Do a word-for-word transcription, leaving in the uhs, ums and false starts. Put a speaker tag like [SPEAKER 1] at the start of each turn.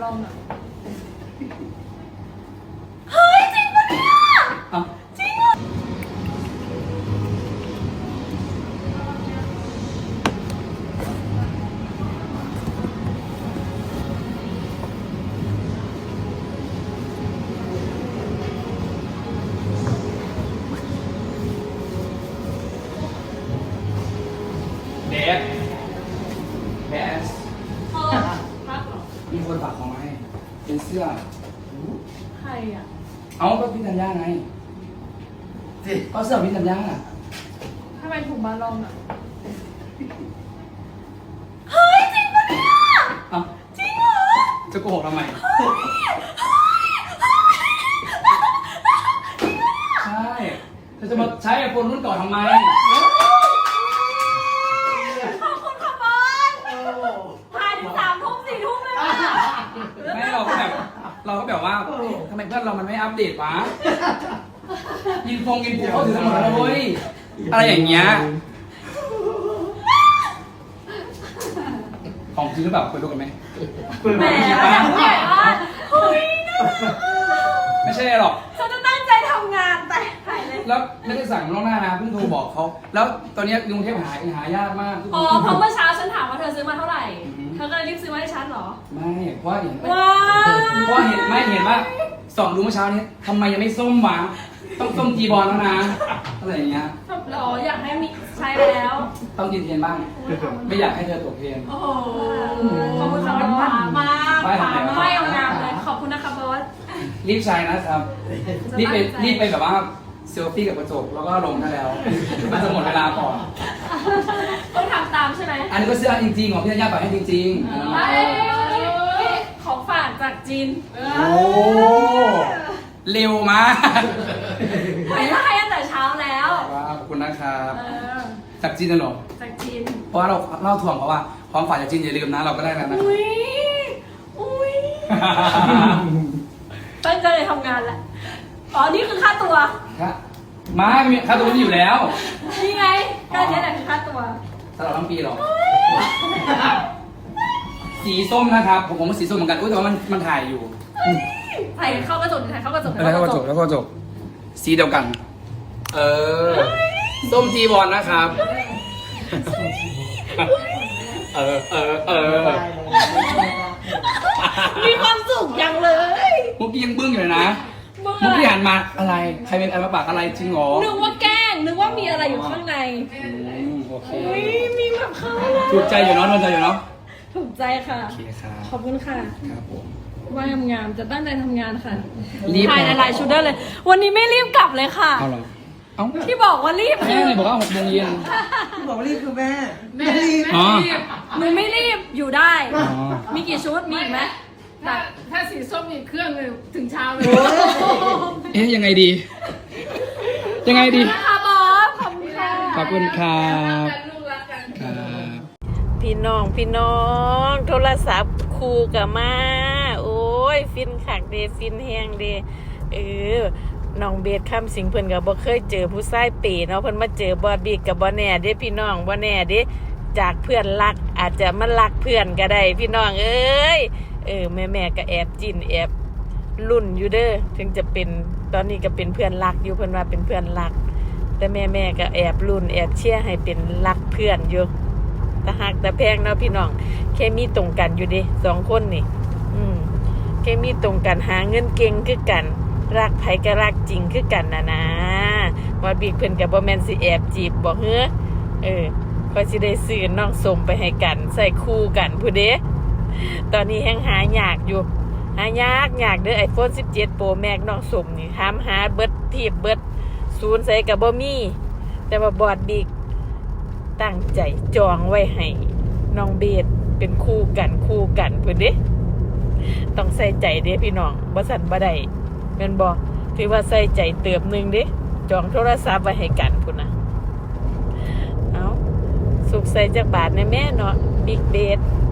[SPEAKER 1] ลองหน่อยเฮ้ยจริงปะเนี่ยจริงเหรอ
[SPEAKER 2] เดฟเบส
[SPEAKER 1] เออพักเหรอ
[SPEAKER 2] มีคนฝากของมาให้เป็นเสื้อ
[SPEAKER 1] ใครอ่ะ
[SPEAKER 2] เอาก็พี่ธัญญาไงก็เสื้อพี่ธัญญา
[SPEAKER 1] ทำไมถุงบาลองอ่ะเฮ้ยจริงปะเนี่ย
[SPEAKER 2] เอ้า
[SPEAKER 1] จริงเหรอ
[SPEAKER 2] จะโกหกทำไมใช่เธอจะมาใช้ไอโฟนรุ่นเก่าทำไม
[SPEAKER 1] ขอบคุณค่ะบอลถ่ายถึงสามทุ่มสี่ทุ่มเลยว่ะ
[SPEAKER 2] ไม่เราก็แบบเราก็แบบว่าทำไมเพื่อนเรามันไม่อัปเดตวะยินฟงยินปูเขาถือหมดแล้วเว้ยอะไรอย่างเงี้ยของจริงหรือเปล่าเคยดูกันไหม
[SPEAKER 1] แหมอยากใหญ่มากเฮ้ยนะ
[SPEAKER 2] ไม่ใช่หรอก
[SPEAKER 1] ฉันจะตั้งใจทำงานแต่ถ่ายเลย
[SPEAKER 2] แล้วไม่ได้สั่งล่วงหน้านะเพิ่งโทรบอกเขาแล้วตอนนี้กรุงเทพหาหายากมาก
[SPEAKER 1] อ๋อเพราะเมื่อเช้าฉันถามว่าเธอซื้อมาเท่าไหร่ เธอก็เลยรีบซื้อมาให้ฉันเหรอ
[SPEAKER 2] ไม่เพราะว่าเห็น
[SPEAKER 1] ว้า
[SPEAKER 2] เพราะว่าเห็นไม่เห็นว่าส่องดูเมื่อเช้านี้ทำไมยังไม่ส้มวะต้องส้มจีบอลแล้วนะอะไรอย่างเงี้ย
[SPEAKER 1] หรออยากให้มีใช้แล้ว
[SPEAKER 2] ต้องกินเทียนบ้าง ไม่อยากให้เธอตกเทียน
[SPEAKER 1] โอ้โหขอบคุณค่ะมันป่ามากป่ามากไม่เอางามเลย ขอบคุณนะคะบอส
[SPEAKER 2] รีบใช้นะครับรีบไปรีบไปแบบว่าเซลฟี่กับกระจกแล้วก็ลงได้แล้วมันจะหมดเวลาก่อน
[SPEAKER 1] ต้องทำตามใช่ไหม
[SPEAKER 2] อันนี้ก็เสื้อจริงๆของพี่ธัญญาฝากให้จริงๆ
[SPEAKER 1] เอ้ยของฝากจากจีน
[SPEAKER 2] โอ้เร็วมาก
[SPEAKER 1] ไปได้ตั้งแต่เช้าแล้ว
[SPEAKER 2] ว้าวขอบคุณนะครับ
[SPEAKER 1] เออ
[SPEAKER 2] จากจีนน่ะเหรอ
[SPEAKER 1] จากจีน
[SPEAKER 2] เพราะว่าเราเล่าถ่วงเพราะว่าความฝันจากจีนอย่าลืมนะเราก็ได้แล้วนะ
[SPEAKER 1] อุ้ยอุ้ยตั้งใจเลยทำงานแหละ อ๋อ นี่คือค่าตัว
[SPEAKER 2] ครับมามีค่าตัวนี้อยู่แล้ว
[SPEAKER 1] นี่ไงก็เนี้แหละคือค่าตัว
[SPEAKER 2] ตลอดทั้งปีหรอ สีส้มนะครับ ผมผมว่าสีส้มเหมือนกันอุ้ยแต่ว่ามันมันถ่ายอยู่
[SPEAKER 1] ถ่ายเข้ากระจกถ่ายเข้ากระจก
[SPEAKER 2] แล้วก็จบแล้วก็จบสีเดียวกัน เออ ส้มจีบอลนะครับ เออเออเออ
[SPEAKER 1] มีความสุขยังเลย
[SPEAKER 2] เมื่อกี้ยังบึ้งอยู่เลยนะ
[SPEAKER 1] เมื่อ
[SPEAKER 2] เมื่อกี้หันมาอะไรใครเป็นอะไรมาปากอะไรจริงเหรอ
[SPEAKER 1] นึกว่าแกล้งนึกว่ามีอะไรอยู่ข้างใน
[SPEAKER 2] อืมโอเค
[SPEAKER 1] อุ้ยมีแบบเข้าแล้ว
[SPEAKER 2] ถูกใจอยู่เนาะถูกใจอยู่เนาะ
[SPEAKER 1] ถูกใจค่ะ
[SPEAKER 2] โอเคครับ
[SPEAKER 1] ขอบคุณค่ะ
[SPEAKER 2] ครับผม
[SPEAKER 1] ว่างามๆจะตั้งใจทำงานค่ะ
[SPEAKER 2] รีบ
[SPEAKER 1] ถ่ายหลายๆชุดได้เลย วันนี้ไม่รีบกลับเลยค่ะ
[SPEAKER 2] เอาเหรอเอ้า
[SPEAKER 1] ที่บอกว่ารีบ
[SPEAKER 2] แม่
[SPEAKER 1] คือ
[SPEAKER 2] เลยบอกว่าหกโมงเย็น
[SPEAKER 3] ที่บอกว่ารีบคือแม่
[SPEAKER 1] แม่รีบ
[SPEAKER 2] อ๋อ
[SPEAKER 1] หนูไม่รีบอยู่ได้
[SPEAKER 2] อ๋อ
[SPEAKER 1] มีกี่ชุดมีอีกไหม
[SPEAKER 4] ถ้าถ้าสีส้มอีกเครื่องหนึงถึงเช้าเลย
[SPEAKER 2] เอ๊ะยังไงดี ยังไงดี
[SPEAKER 1] นะคะบอสขอบคุณค่ะ
[SPEAKER 2] ขอบคุณครับ
[SPEAKER 4] กันลูกรักกัน
[SPEAKER 2] ครับ
[SPEAKER 5] พี่น้องพี่น้องโทรศัพท์คู่กับมา โอ้ย ฟินขักเดฟินแห้งเดเออน้องเบสคำสิงเพิ่นก็บ่เคยเจอผู้ชายเป๋เนาะเพิ่นมาเจอบอดบีกับบ่แน่เด้พี่น้องบ่แน่เด้จากเพื่อนรักอาจจะมารักเพื่อนก็ได้พี่น้องเอ้ยเออแม่แม่ก็แอบจินแอบรุ่นอยู่เด้อถึงจะเป็นตอนนี้ก็เป็นเพื่อนรักอยู่เพิ่นว่าเป็นเพื่อนรัก แต่แม่แม่ก็แอบรุ่นแอบเชียร์ให้เป็นรักเพื่อนอยู่แต่หักแต่แพงเนาะพี่น้องเคมีตรงกันอยู่ดิสองคนนี่อืมเคมีตรงกันหาเงินเก่งคือกันรักไผก็รักจริงคือกันนะนะว่าบิ๊กเพิ่นกับบ่แม่นสิแอบจีบบ่เฮ้อเออก็สิได้ซื้อน้องสมไปให้กันใส่คู่กันผู้เด้ตอนนี้แฮงหายากอยู่หายากยากเด้อ iPhone สิบเจ็ด Pro Max น้องสมนี่ถามหาเบิดทีบเบิดศูนย์ใส่ก็บ่มีแต่ว่าบอดบิ๊กตั้งใจจองไว้ให้น้องเบสเป็นคู่กันคู่กันพุ่นเด้ต้องใส่ใจเด้พี่น้องบ่สั่นบ่ได้แม่นบ่ถือว่าใส่ใจเติบหนึงเด้จองโทรศัพท์ไว้ให้กันพุ่นน่ะเอ้าสุกใส่จักบาทแน่แม่เนาะบิ๊กเบส